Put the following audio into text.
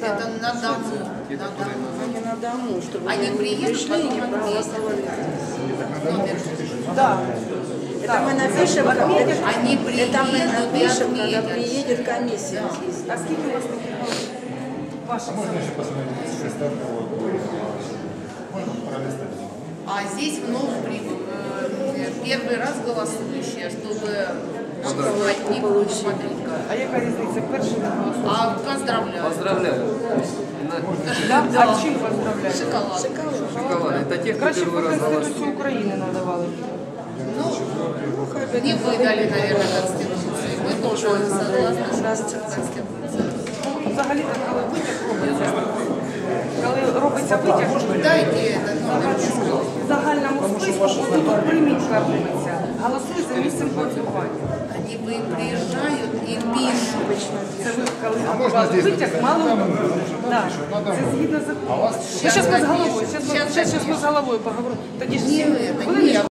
Это на дому. Не на дому, чтобы Они приедут, пришли и не потом проголосовали. Номер. Да. Это мы напишем, Они это мы приедут и напишем, когда отметят. приедет комиссия. А скільки у вас таких ваших? Можно еще посмотреть состав Можно пролистать. А здесь вновь первый раз голосующие, чтобы от них посмотреть. А яка різниця? Перший не голосував. А поздравляю. Поздравляю. Да? А чим поздравляю? Шоколад. Шоколад. Это те, кто Краще по первый раз Конституцію голосует. України надавали. Ну, не выдали, наверное, Конституцию. Мы тоже согласны, что Конституция. Взагалі, коли витяг робиться, коли робиться витяг, Дайте этот номер. в загальному списку тут примітка робиться. Голосуй за місцем проживання. Они приезжают и пишут. Це ви, коли готували витяг, мало да. Це згідно закону. Зараз ми з головою, зараз ми з головою поговоримо. Тоді ж всі Нет, это хвилиночку. нет.